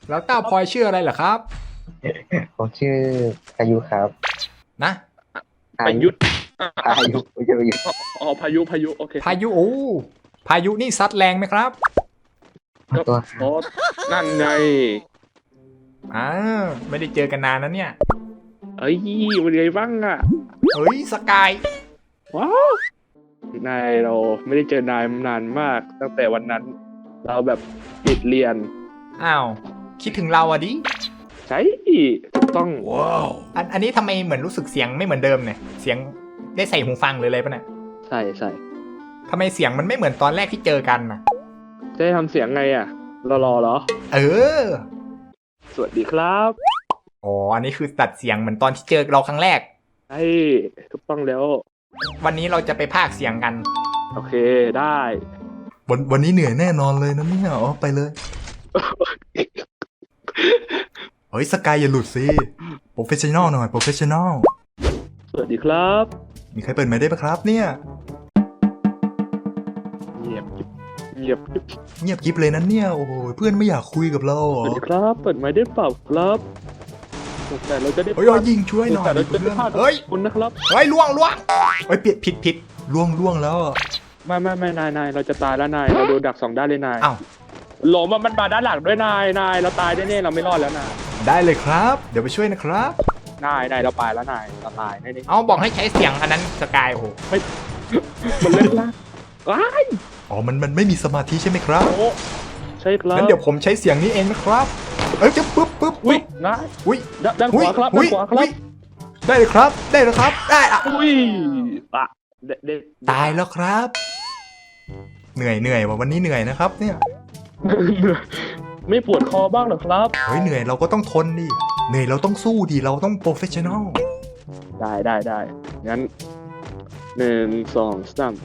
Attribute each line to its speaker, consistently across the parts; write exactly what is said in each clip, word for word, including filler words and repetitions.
Speaker 1: แล้วเต้าพลอยชื่ออะไรเหรอครับ
Speaker 2: ผมชื่อพายุครับ
Speaker 1: นะ
Speaker 3: ประยุทธ์
Speaker 2: พายุไม่ใช่พายุ
Speaker 3: อ๋อพายุพายุโอเค
Speaker 1: พายุโอ้พายุนี่ซัดแรงไหมครับ
Speaker 2: ตัว
Speaker 3: โอ้นั่นไง
Speaker 1: อ่าไม่ได้เจอกันนานนะเนี่ย
Speaker 3: เอ้ยเป็นไงบ้างอ่ะ
Speaker 1: เฮ้ยสกาย
Speaker 3: ว้าวนายเราไม่ได้เจอนายนานมากตั้งแต่วันนั้น เราแบบติดเรียน
Speaker 1: อ้าวคิดถึงเราอะดิ
Speaker 3: ใช่ถูกต้อง
Speaker 1: ว้าวอันอันนี้ทำไมเหมือนรู้สึกเสียงไม่เหมือนเดิมเนี่ยเสียงได้ใส่หูฟังหรืออะไรปะเนี่ย
Speaker 3: ใช่ใช่
Speaker 1: ทำไมเสียงมันไม่เหมือนตอนแรกที่เจอกันนะ
Speaker 3: จะทำเสียงไงอ่ะรอรอเหรอ
Speaker 1: เออ
Speaker 3: สวัสดีครับ
Speaker 1: อ๋ออันนี้คือตัดเสียงเหมือนตอนที่เจอเราครั้งแรก
Speaker 3: ใช่ถูกต้องแล้ว
Speaker 1: วันนี้เราจะไปพากย์เสียงกัน
Speaker 3: โอเคได้
Speaker 1: วันวันนี้เหนื่อยแน่นอนเลยนะเนี่ยอ๋อไปเลยเฮ้ยสกายอย่าหลุดสิโปรเฟชชั่นอลหน่อยโปรเฟชชั่นอล
Speaker 3: สวัสดีครับ
Speaker 1: มีใครเปิดไมค์ได้ปะครับเนี่ย
Speaker 3: เงียบเงียบ
Speaker 1: เงียบกิ๊บเลยนั้นเนี่ยโอ้โหเพื่อนไม่อยากคุยกับเรา
Speaker 3: สวัสดีครับเปิดไมค์ได้เปล่าครับแต่เราจะได้
Speaker 1: เฮ้ยยิงช่วยหน่อย
Speaker 3: แต่เราจะได้พลาดเฮ้ยคุณนะครับ
Speaker 1: เฮ้ยล่วงล่วงเฮ้ยผิดผิดผิดล่วงล่วงแล้ว
Speaker 3: ไม่ไม่ไม่นายนายเราจะตายแล้วนายเราโดนดักสองด้านเลยนาย
Speaker 1: อ้าว
Speaker 3: หลงมันมาด้านหลังด้วยนายนายเราตายแน่ๆเราไม่รอดแล้วนาย
Speaker 1: ได้เลยครับเดี๋ยวไปช่วยนะครับ
Speaker 3: นายนายเราไปแล้วนายเราตายแน่ๆ
Speaker 1: เอาบอกให้ใช้เสียงอันนั้นสกายโอ้โห
Speaker 3: ไม่มันเล่นละว้าย
Speaker 1: อ๋อมันมันไม่มีสมาธิใช่ไหมครับ
Speaker 3: โอ้ใช่ครับ
Speaker 1: งั้นเดี๋ยวผมใช้เสียงนี้เองนะครับเอ้ยจะปึ๊บปึ๊บ
Speaker 3: อุ้ยนาย
Speaker 1: อุ้ย
Speaker 3: ด้านขวาครับด้านขวาครับ
Speaker 1: ได้เลยครับได้เลยครับได้อะ
Speaker 3: อุ้ยอะ
Speaker 1: ตายแล้วครับเหนื่อยเหนื่อยว่ะวันนี้เหนื่อยนะครับเนี่ย
Speaker 3: ไม่ปวดคอบ้างหรอครับ
Speaker 1: เฮ้ยเหนื่อยเราก็ต้องทนดิเหนื่อยเราต้องสู้ดิเราต้องโปรเฟชชั่นอล
Speaker 3: ได้ได้ได้งั้นหนึ่งสองสาม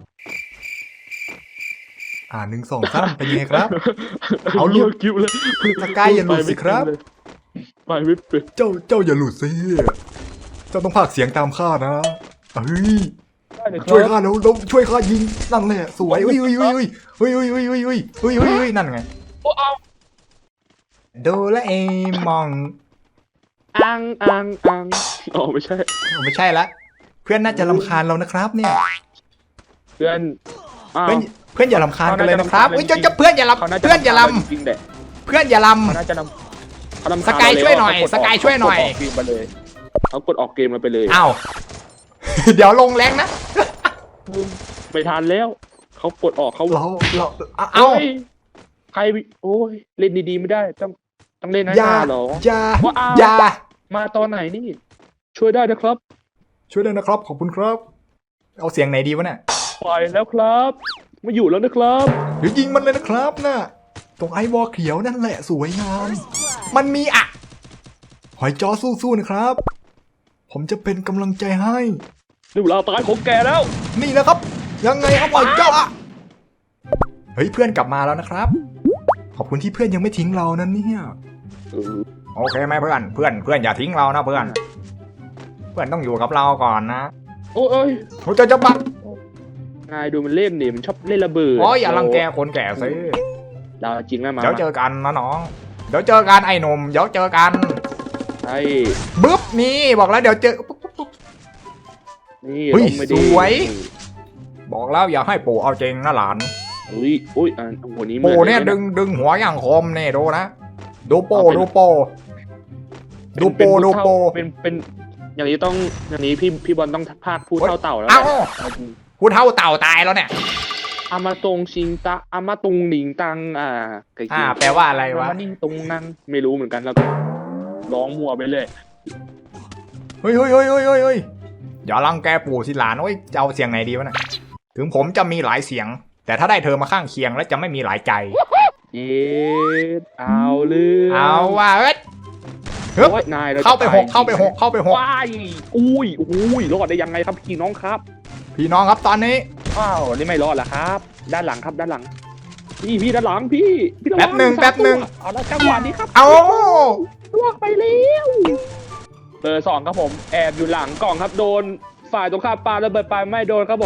Speaker 1: อ่าหนึ่งสองสามเป็นยังไงครับเอา
Speaker 3: ลูกกิ้วเลย
Speaker 1: สกายอย่าหลุดสิครับ
Speaker 3: ไปไม่เป็น
Speaker 1: เจ้าเจ้าอย่าหลุดสิเจ้าต้องพากย์เสียงตามข้านะเฮ้ยช่วยข้าแล้วแล้วช่วยข้ายิงนั่นแหละสวยอุ้ยอุ้ยอุ้ยอุ้ยอุ้ยอุ้ยอุ้ยอุ้ยอุ้ยอุ้ยอุ้ยนั่นไง
Speaker 3: โอ้เอา
Speaker 1: โดราเอมอง
Speaker 3: อังอังอังอ๋อไม่ใช่
Speaker 1: ไม่ใช่ละเพื่อนน่าจะรำคาญเรานะครับเนี่ย
Speaker 3: เพื่อน
Speaker 1: เพื่อนเพื่อนอย่ารำคาญกันเลยนะครับเฮ้ยจะเพื่อนอย่าลำเพื่อนอย่าลำเพื่อนอย่าลำ
Speaker 3: เขาน่าจะลำ
Speaker 1: สกายช่วยหน่อยสกายช่วยหน่อย
Speaker 3: เขากดออกเกมมาไปเลย
Speaker 1: อ้าวเดี๋ยวลงแรงนะ
Speaker 3: ไม่ทันแล้วเขากดออกเขา
Speaker 1: เราเราเอ้า
Speaker 3: ใครโอ้ยเล่นดีๆไม่ได้ต้องต้องเล่นนะหรอ
Speaker 1: อย่าอย่า
Speaker 3: มาตอนไหนนี่ช่วยได้นะครับ
Speaker 1: ช่วยได้นะครับขอบคุณครับเอาเสียงไหนดีวะเนี่ย
Speaker 3: ปล่อยแล้วครับไม่อยู่แล้วนะครับ
Speaker 1: เดี๋ยวยิงมันเลยนะครับน่ะตรงไอวอลเขียวนั่นแหละสวยงามมันมีอะหอยจ้อสู้ๆนะครับผมจะเป็นกำลังใจให้
Speaker 3: นี่เวลาตายของแกแล้ว
Speaker 1: นี่นะครับยังไงครับหอยจ้อเฮ้ยเพื่อนกลับมาแล้วนะครับขอบคุณที่เพื่อนยังไม่ทิ้งเรานั่นเนี่ยโอเคไหมเพื่อนเพื่อนเพื่อนอย่าทิ้งเรานะเพื่อนเพื่อนต้องอยู่กับเราก่อนนะ
Speaker 3: โอ้ย
Speaker 1: โอ้จะจะบัก
Speaker 3: นายดูมันเล่นดิมันชอบเล่นระเบิด
Speaker 1: โอ้ยอย่ารังแกคนแก่สิ
Speaker 3: เราจริงนะมา
Speaker 1: เดี๋ยวเจอกันนะน้องเดี๋ยวเจอกันไอ้หนุ่มเดี๋ยวเจอกัน
Speaker 3: ไอ้
Speaker 1: บึ๊บนี่บอกแล้วเดี๋ยวเจอ
Speaker 3: นี่
Speaker 1: สวยบอกแล้วอย่าให้ปู่เอาจริงนะหลาน
Speaker 3: อุ้ยอุ้ยอันหัวนี้
Speaker 1: ปู่เนี่ยดึงดึงหัวอย่างคมเนี่ยดูนะดูโปดูโปดูโปดูโป
Speaker 3: เป็นเป็นอย่างนี้ต้องอย่างนี้พี่พี่บอลต้องพากพูดเท่าเต่าแล้ว
Speaker 1: พูดเท่าเต่าตายแล้วเนี่ย
Speaker 3: อามาตรงชิงตาอามาตรงหนิงตังอ่า
Speaker 1: อ่าแปลว่าอะไรวะ
Speaker 3: อามานิ่งตรงนั่งไม่รู้เหมือนกันแล้วร้องมัวไปเลย
Speaker 1: เฮ้ยเฮ้ยเฮ้ยเฮ้ยเฮ้ยอย่ารังแกปู่สิหลานโอ้ยจะเอาเสียงไหนดีวะเนี่ยถึงผมจะมีหลายเสียงแต่ถ้าได้เธอมาข้างเคียงแล้วจะไม่มีหลายใจ
Speaker 3: เอ๊ะเอาเลย
Speaker 1: เอาว่าเอ้ย
Speaker 3: นาย
Speaker 1: เข้าไปหกเข้าไปหกเข้าไปหก
Speaker 3: ว้ายอุ้ยอุ้ยรอดได้ยังไงครับพี่น้องครับ
Speaker 1: พี่น้องครับตอนนี้
Speaker 3: อ้าวนี่ไม่รอดละครับด้านหลังครับด้านหลังพี่พี่ด้านหลังพี่
Speaker 1: แป๊บหนึ่งแป๊บหนึ่ง
Speaker 3: เอาละจังหวะนี้ครับ
Speaker 1: เอา
Speaker 3: ล่วงไปแล้วเบอร์สองครับผมแอบอยู่หลังกล่องครับโดนฝ่ายตรงข้ามปาระเบิดไปไม่โดนครับผม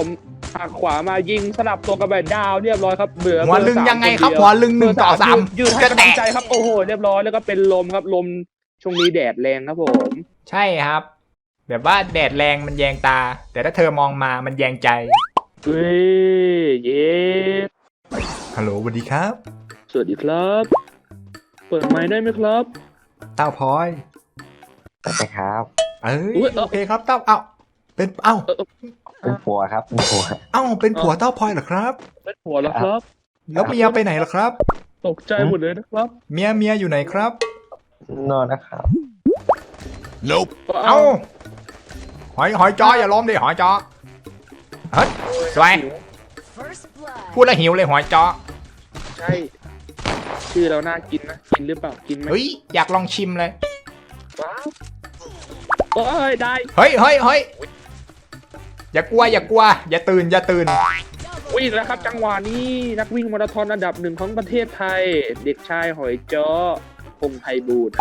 Speaker 3: หักขวามายิงสลับตัวกับแบบดาวเรียบร้อยครับเหลือ
Speaker 1: หัวลึงยังไงครับหัวลึงหนึ่งต่อสาม
Speaker 3: ยืดให้กำลังใจครับโอ้โหเรียบร้อยแล้วก็เป็นลมครับลมช่วงนี้แดดแรงครับผม
Speaker 1: ใช่ครับ แบบว่าแดดแรงมันแยงตา แต่ถ้าเธอมองมามันแยงใจ
Speaker 3: เฮ้ยเย้
Speaker 1: ฮัลโหลสวัสดีครับ
Speaker 3: สวัสดีครับ เปิดไมค์ได้ไหมครับ
Speaker 1: เต้าพลอย
Speaker 2: สวัสดีครับ
Speaker 1: เอ้
Speaker 3: อุ๊
Speaker 1: ย
Speaker 3: ยเอ้า
Speaker 1: โอเคครับเต้าเอ้าเป็นเอ้า
Speaker 2: เป็นผัวครับเป็นผัว
Speaker 1: เอ้าเป็นผัวเต้าพลอยเหรอครับ
Speaker 3: เป็นหัวแล้วครับ
Speaker 1: แล้วเมียไปไหนล่ะครับ
Speaker 3: ตกใจหมดเลยนะครับ
Speaker 1: เมียเมียอยู่ไหนครับ
Speaker 2: นอนนะครับ
Speaker 1: nope เอ้าหอยหอยจออย่าล้มดิหอยจอเฮ้ยสวยพูดแล้วหิวเลยหอยจอ
Speaker 3: ใช่ชื่อเราน่ากินนะกินหรือเปล่ากินไหม
Speaker 1: เฮ้ยอยากลองชิมเลย
Speaker 3: ว้าวโอ้ยได้
Speaker 1: เฮ้ยเฮ้ยเฮ้ยอย่ากลัวอย่ากลัว อย่าตื่นอย่าตื่น
Speaker 3: วิ่งแล้วครับจังหวะนี้นักวิ่งมาราธอนอันดับหนึ่งของประเทศไทย เด็กชายหอยจ้อพงษ์ไพบูลย์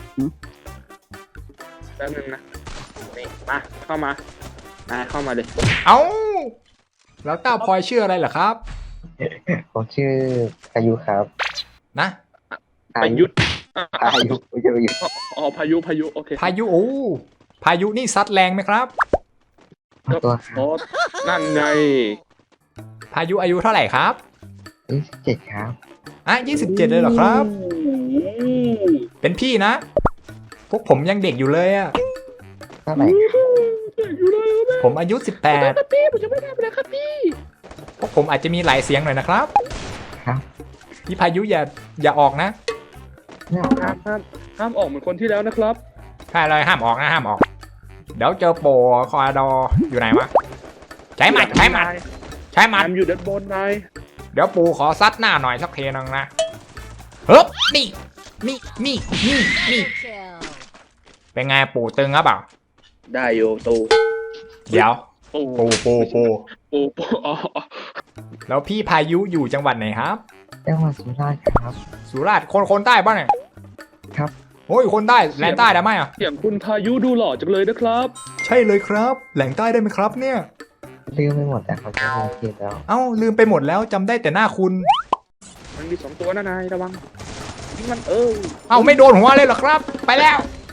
Speaker 3: แป๊บนึงนะนี่มาเข้ามานายเข้ามาเลย
Speaker 1: เอ้าแล้วเต้าพลอยชื่ออะไรเหรอครับ
Speaker 2: ผมชื่อพายุครับ
Speaker 1: นะ
Speaker 3: ประยุทธ์
Speaker 2: พายุไม่ใช่พายุ
Speaker 3: อ๋อพายุพายุโอเค
Speaker 1: พายุโอ้พายุนี่ซัดแรงไหมครับ
Speaker 2: ตัวครั
Speaker 3: โอ้
Speaker 2: บ
Speaker 3: นั่นไง
Speaker 1: พายุอายุเท่าไหร่ครับ
Speaker 2: ยี่สิบเจ็ดครับ
Speaker 1: อ่ะยี่สิบเจ็ดเลยเหรอครับ
Speaker 3: โอ้โห
Speaker 1: เป็นพี่นะ พวกผมยังเด็กอยู่เลยอะ
Speaker 2: เท่าไหร่
Speaker 3: อยู่เลยครับ
Speaker 1: ผมอายุสิบแปด
Speaker 3: ครับพี่ผมจะไม่ได้ไปเลยครับพี่
Speaker 1: พวกผมอาจจะมีหลายเสียงหน่อยนะครับ
Speaker 2: ครับ
Speaker 1: พี่พายุอย่าอย่าออกนะ
Speaker 2: เนี่ยค
Speaker 3: ห้า
Speaker 2: รับ
Speaker 3: มห้ามห้ามออกเหมือนคนที่แล้วนะครับ
Speaker 1: ใช่เลยห้ามออกนะห้ามออก เดี๋ยวเจอโปรคอร์ดออยู่ไหนวะ ใช้หมัดใช้หมัดใช้หมัด
Speaker 3: นายอยู่ด้านบนนาย
Speaker 1: เดี๋ยวปูขอซัดหน้าหน่อยสักเทนึงนะเฮ้ยนี่นี่นี่นี่นี่เป็นไงปูตึงครับเปล่า
Speaker 3: ได้โยตู
Speaker 1: เดี๋ยว
Speaker 3: โอ้
Speaker 1: ปูปูปู
Speaker 3: ปูปูอ๋อ
Speaker 1: แล้วพี่พายุอยู่จังหวัดไหนครับ
Speaker 2: จังหวัดสุราษฎร์ครับ
Speaker 1: สุราษฎร์คนคนใต้ป่ะเนี่ย
Speaker 2: ครับ
Speaker 1: โอ้ยคนใต้แหลงใต้ได้ไหมอ่ะ
Speaker 3: เสียงคุณพายุดูหล่อจังเลยนะครับ
Speaker 1: ใช่เลยครับแหลงใต้ได้ไหมครับเนี่ย
Speaker 2: ลืมไปหมดแต่เขาจะมีเกียรติแล้ว
Speaker 1: เอ้าลืมไปหมดแล้วจำได้แต่หน้าคุณ
Speaker 3: มันมีสองตัวนะนายระวังยิงมันเออ
Speaker 1: เอ้าไม่โดนหัวเลยเหรอครับ ไปแล้ว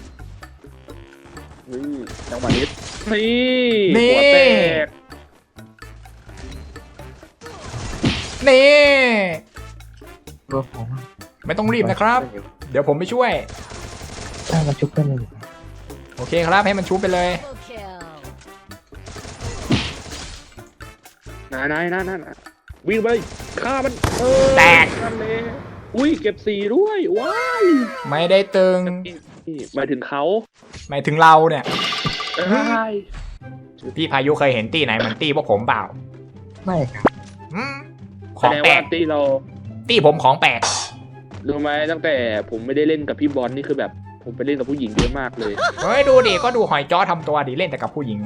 Speaker 3: นี่จังหวะนี้นี่
Speaker 1: นี่
Speaker 3: หัวแตก
Speaker 1: นี่
Speaker 2: ตัวผมอะ
Speaker 1: ไม่ต้องรีบนะครับ เดี๋ยวผมไปช่วย
Speaker 2: ถ้ามันชุบกันเลย
Speaker 1: โอเคครับให้มันชุบไปเลย
Speaker 3: นายนายนายนายวิ่งไปฆ่ามันเออ
Speaker 1: แตก
Speaker 3: นั่นเลยอุ้ยเก็บสีด้วยว้าย
Speaker 1: ไม่ได้ตึง
Speaker 3: นี่หมายถึงเขา
Speaker 1: หมายถึงเราเนี่ย
Speaker 3: เอ้ย
Speaker 1: พี่พายุเคยเห็นตี้ไหนเหมือนตี้พวกผมเปล่า
Speaker 2: ไม่ครับ
Speaker 1: อืมข
Speaker 3: แส
Speaker 1: อง
Speaker 3: ดง
Speaker 1: แปล
Speaker 3: ว่าก ตีเรา
Speaker 1: ตี้ผมของแปลก
Speaker 3: รู้ไหมตั้งแต่ผมไม่ได้เล่นกับพี่บอลนี่คือแบบผมไปเล่นกับผู้หญิงเยอะมากเลย
Speaker 1: เฮ้ยดูดิก็ดูหอยจ้อทำตัวดีเล่นแต่กับผู้หญิง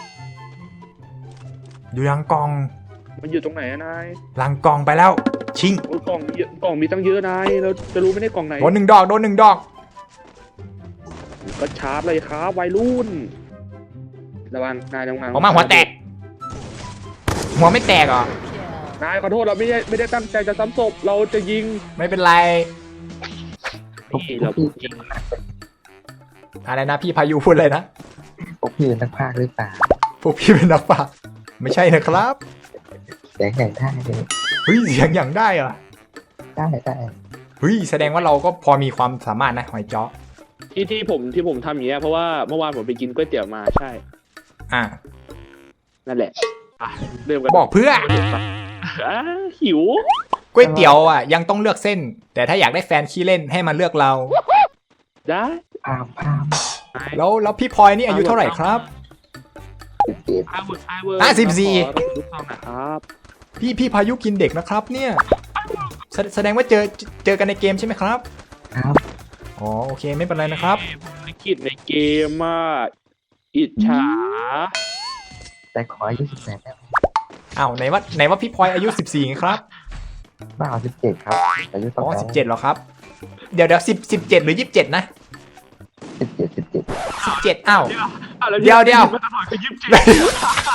Speaker 1: อยู่ยังกอง
Speaker 3: มันอยู่ตรงไหนอะนาย
Speaker 1: หลังกองไปแล้ว ชิง
Speaker 3: โอ้ยกล่องมีเยอะกล่องมีตั้งเยอะนายเราจะรู้ไหมได้กล่องไหน
Speaker 1: โดนหนึ่งดอกโดนหนึ่งดอก
Speaker 3: ก็ชาร์จเลยครับวัยรุ่นระวังนายระวัง
Speaker 1: ออกมาหัวแตก หัวไม่แตกเหรอ
Speaker 3: นายขอโทษเราไม่ได้ไม่ได้ตั้งใจจะซ้ำศพเราจะยิง
Speaker 1: ไม่เป็นไร
Speaker 3: นี่เราพูดจริง
Speaker 1: อะไรนะพี่พายุพูดเลยนะ
Speaker 2: พวกพี่เป็นนักพากย์หรือเปล่า
Speaker 1: พวกพี่เป็นนักปราชญ์ไม่ใช่นะครับ
Speaker 2: เสียงอย่างได้เลย
Speaker 1: เฮ้ยเสียงอย่างได้เหรอ
Speaker 2: ได้ได้
Speaker 1: เฮ้ยแสดงว่าเราก็พอมีความสามารถนะหอยจ้อ
Speaker 3: ที่ที่ผมที่ผมทำอย่างเงี้ยเพราะว่าเมื่อวานผมไปกินก๋วยเตี๋ยวมาใช่
Speaker 1: อ่ะ
Speaker 3: นั่นแหละอ่ะเริ่มกัน
Speaker 1: บอกเพื่อ
Speaker 3: อ่ะหิว
Speaker 1: ก๋วยเตี๋ยวอ่ะยังต้องเลือกเส้น แต่ถ้าอยากได้แฟนขี้เล่นให้มาเลือกเรา
Speaker 3: ได้
Speaker 2: พามพาม
Speaker 1: แล้วแล้วพี่พลอยนี่อายุเท่าไหร่ครับ
Speaker 2: สิบเอ็ด
Speaker 3: ไอเวิร์ดไอเวิร์ด
Speaker 1: อ่ะสิบสี่
Speaker 3: ลูกน้องนะครับ
Speaker 1: พี่พี่พายุกินเด็กนะครับเนี่ยแสแสดงว่าเจอเจอกันในเกมใช่ไหมครับ
Speaker 2: ครับ
Speaker 1: อ๋อโอเคไม่เป็นไรนะครับ
Speaker 3: ภารกิจในเกมอ่ะอิจฉา
Speaker 2: แต่ขออายุสิบแปดได้ไหม
Speaker 1: อ้าวไหนว่าไหนว่าพี่พลอยอายุสิบสี่ครับ
Speaker 2: บ้าสิบเจ็ดครับ อายุ
Speaker 1: อ๋
Speaker 2: เท่า
Speaker 1: อ
Speaker 2: ไหร่
Speaker 1: สิบเจ็ดเหรอครับ เดี๋ยวเดี๋ยวสิบสิบเจ็ดหรือยี่สิบเจ็ดนะ
Speaker 2: สิบเจ็ดสิบเจ็ด
Speaker 1: สิบเจ็ดอ้าว
Speaker 3: อ่ะแล้
Speaker 1: เดี๋ยวเดี๋ยว
Speaker 3: มาตลอดคือยิบเจ็ด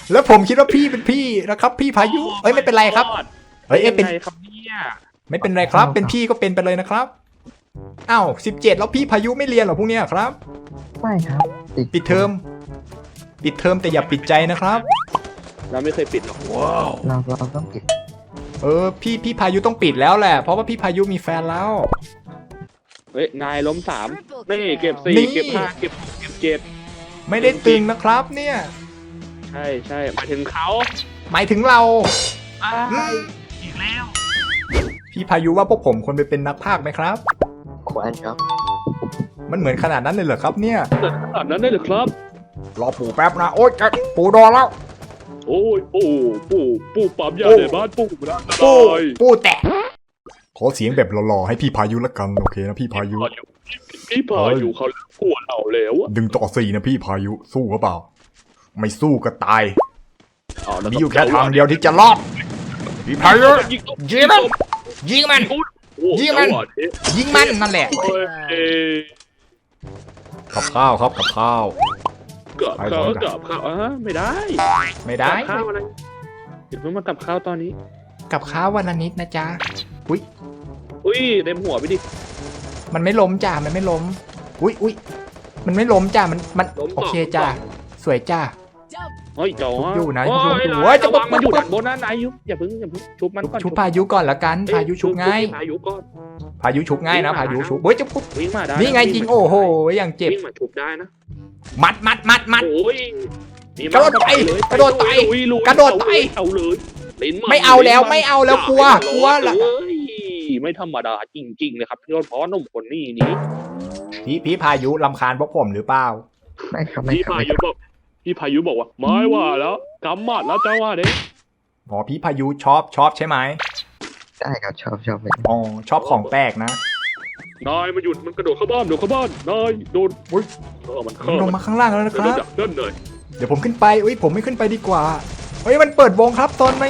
Speaker 1: แล้วผมคิดว่าพี่เป็นพี่นะครับ พี่พายุเอ้ยไม่เป็นไรครับเฮ้ยเอ้ยเป็น
Speaker 3: ยังไงครับเนี่ย
Speaker 1: ไม่เป็นไรครับ เป็นพี่ก็เป็นไปเลยนะครับอ้าวสิบเจ็ดแล้วพี่พายุไม่เรียนเหรอพวกเนี้ยครับ
Speaker 2: ไม่ครับติด
Speaker 1: ปิดเทอมปิดเทอมแต่อย่าปิดใจนะครับ
Speaker 3: เราไม่เคยปิดหรอก
Speaker 2: เราเราต้องปิด
Speaker 1: เออพี่พี่พายุต้องปิดแล้วแหละเพราะว่าพี่พายุมีแฟนแล้ว
Speaker 3: เฮ้ยนายล้มสามนี่เก็บสี่
Speaker 1: นี่
Speaker 3: เก็บห้าเก็บหกเก็บเจ็ด
Speaker 1: ไม่ได้ตึงนะครับ เนี่ย
Speaker 3: ใช่ใช่หมายถึงเขา
Speaker 1: หมายถึงเรา
Speaker 3: อ้า
Speaker 1: อืม
Speaker 3: อีกแล้ว
Speaker 1: พี่พายุว่าพวกผมควรไปเป็นนักพากย์ไหมครับ
Speaker 2: ควรครับ
Speaker 1: มันเหมือนขนาดนั้นเลยเหรอครับเนี่ย
Speaker 3: เกิดขนาดนั้นได้เหรือครับ
Speaker 1: รอปู่แป๊บนะโอ๊ยจะปู่โดนแล้ว
Speaker 3: โอ้ยปู่ปู่ปู่ปั๊มยาในบ้านปู่นะ
Speaker 1: ปู่ปู่แตะขอเสียงแบบหล่อๆให้พี่พายุละกันโอเคนะพี่พายุ
Speaker 3: พี่พายุเขากลัวเราแล้วอะ
Speaker 1: ดึงต่อสี่นะพี่พายุสู้หรือเปล่า ไม่สู้ก็ตาย
Speaker 3: เาแล้ว
Speaker 1: มีอยู่แค่ทางเดียวที่จะรอดพี่พายุยิงมันยิงมัน
Speaker 3: โอ้
Speaker 1: ยิงมัน
Speaker 3: จัหวะนี้
Speaker 1: ยิงมันนั่นแหละ
Speaker 3: โอ้ยเอ้ย
Speaker 1: กับข้าวครับกับข้าว
Speaker 3: กับ
Speaker 1: ไป
Speaker 3: ข้าว
Speaker 1: ก่อน
Speaker 3: กับข้าวอ่ะไม่ได้
Speaker 1: ไม่ได้
Speaker 3: กับข้าวอะไรเดี๋ยวเพิ่งมากับข้าวตอนนี้
Speaker 1: กับข้าววันละนิดนะจ๊ะอุ้ย
Speaker 3: อุ้ยเต็มหัวไปดิ
Speaker 1: มันไม่ล้มจ้ามันไม่ล้มอุ้ยอุ้ยมันไม่ล้มจ้ามันมัน
Speaker 3: ล้ม
Speaker 1: โอ
Speaker 3: ต่อ
Speaker 1: เคจ้าสวยจ้า
Speaker 3: เฮ้ยจ๋อ
Speaker 1: ชุบอยู่นะ
Speaker 3: โอ้
Speaker 1: ชุบ
Speaker 3: ย
Speaker 1: อยู่
Speaker 3: นาย
Speaker 1: เว้ยจะ
Speaker 3: ระวัง
Speaker 1: ปุ๊บ
Speaker 3: มันอยู่
Speaker 1: ปุ๊บ
Speaker 3: ด้านบนนะนายยุอย่าเพิ่งอย่าเพิ่งชุบมันก่อน
Speaker 1: ชุบพายุก่อนละกัน
Speaker 3: เอ้
Speaker 1: พายุชุบง่าย
Speaker 3: พายุก่อน
Speaker 1: พายุชุบง่ายนะพายุชุบเฮ้ยจะปุ๊บ
Speaker 3: วิ่งมาได้
Speaker 1: นี่ไงจริงโอ้โหอย่างเจ็บ
Speaker 3: วิ่งมาชุบได้นะ
Speaker 1: มัดมัดมัดมัด
Speaker 3: โอ้ยมี
Speaker 1: กระโดดไป
Speaker 3: เลย
Speaker 1: กระโดดไป
Speaker 3: ลุยลุย
Speaker 1: กระโดดไป
Speaker 3: เอาเลยลิ้นน
Speaker 1: ไม่เอาแล้ว
Speaker 3: น
Speaker 1: ไม่เอาแล้วกลัว
Speaker 3: อย่าก
Speaker 1: ลัว
Speaker 3: ให้
Speaker 1: ละ
Speaker 3: มันร้อนเลยไม่ธรรมดาจริงๆเลยครับพี่รถเพราะหนุ่มคนนี้นี่
Speaker 1: พี่พี่พายุลำคาญพวกผมหรือเปล่า
Speaker 2: ไม่ครับไม่
Speaker 3: พี่
Speaker 2: ครับ
Speaker 3: พา
Speaker 2: ไม่ค
Speaker 3: ยุ
Speaker 2: รับ
Speaker 3: บอกพี่พายุบอกว่าไม่ว่าแล้วกำหมัดแล้วจ้าว่าเด้
Speaker 1: อ๋อพี่พายุชอบชอบใช่ไหม
Speaker 2: ได้ครับชอบชอบเลย
Speaker 1: อ๋อชอบของแปลกนะ
Speaker 3: นายมาหยุดมันกระโดดเข้าบ้านโดดเข้าบ้านนายโดน
Speaker 1: อุ๊ย
Speaker 3: เออมันเข้า
Speaker 1: ลงมาข้างล่างแล้วนะค
Speaker 3: เดี๋ยว
Speaker 1: รับ
Speaker 3: ดักด้านหน่อย
Speaker 1: เดี๋ยวผมขึ้นไปอุ้ยผมไม่ขึ้นไปดีกว่าเฮ้ยมันเปิดวงครับตอนนี้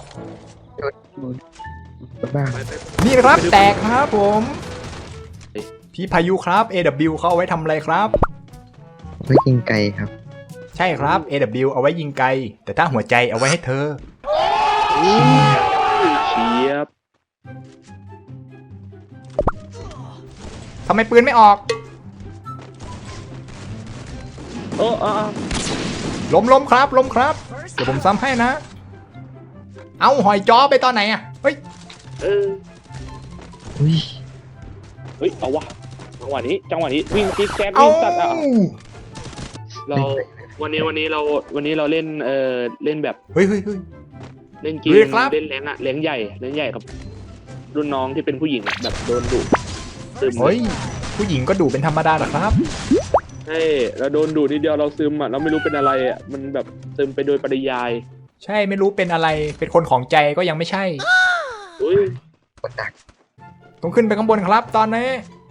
Speaker 2: บ้า
Speaker 3: ไปไป
Speaker 1: นี่นะครับแตกครับผม พี่พายุครับ เอ ดับเบิลยู เขาเอาไว้ทำอะไรครับ
Speaker 2: ไว้ยิงไกลครับ
Speaker 1: ใช่ครับ เอ ดับเบิลยู เอาไว้ยิงไกล แต่ถ้าหัวใจเอาไว้ให้เธอ
Speaker 3: เชียบ
Speaker 1: ทำไมปืนไม่ออก
Speaker 3: เออเออเออ
Speaker 1: ล้มล้มครับล้มครับ เดี๋ยวผมซ้ำให้นะ เอาหอยจ้อไปตอนไหนอ่ะ เฮ้ย
Speaker 3: เออ
Speaker 2: อุ้ย
Speaker 3: เฮ้ยเอาวะจังหวะนี้จังหวะนี้วิ่งจิ๊กแจ๊ก
Speaker 1: เอา
Speaker 3: วิ่งตัดอ่ะเราวันนี้วันนี้เราวันนี้เราเล่นเออเล่นแบบ
Speaker 1: เฮ้ยเฮ้ยเฮ้ย
Speaker 3: เล่นเก
Speaker 1: เฮ้
Speaker 3: ม
Speaker 1: ยครับ
Speaker 3: เล่นแรงอะแรงใหญ่แรงใหญ่กับ รุ่นน้องที่เป็นผู้หญิงอะแบบโดนดุซึม
Speaker 1: เฮ้ย ผู้หญิงก็ดูเป็นธรรมดาเหรอครับ
Speaker 3: ใช่เราโดนดุนิดเดียวเราซึมอะเราไม่รู้เป็นอะไรอะมันแบบซึมไปโดยปริยาย
Speaker 1: ใช่ไม่รู้เป็นอะไร เป็นคนของใจก็ยังไม่ใช่
Speaker 3: อุ้ย
Speaker 2: คนดัก
Speaker 1: ต้องขึ้นไปข้างบนครับ ตอนนี้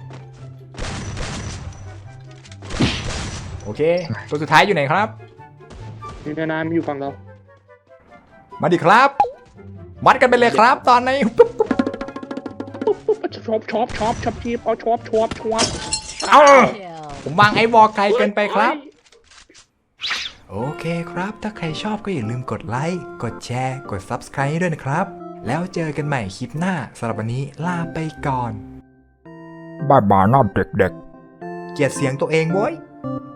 Speaker 1: โอเค ตัวสุดท้ายอยู่ไหนครับ
Speaker 3: นี่นานๆมันอยู่ฝั่งเรา
Speaker 1: มาดิครับ วัดกันไปเลยครับ ตอนนี้ปุ๊บปุ๊บ
Speaker 3: ปุ๊บปุ๊บชอบชอบชอบชอบชีพเอาชอบชอบชอบ
Speaker 1: เอาผมวางไอ้วอลไกลเกินไปครับ โอเคครับ ถ้าใครชอบก็อย่าลืมกดไลค์ กดแชร์ กด ซับสไครบ์ ด้วยนะครับ แล้วเจอกันใหม่คลิปหน้าสำหรับวันนี้ลาไปก่อนบายบายนะเด็กๆ เกลียดเสียงตัวเองโว้ย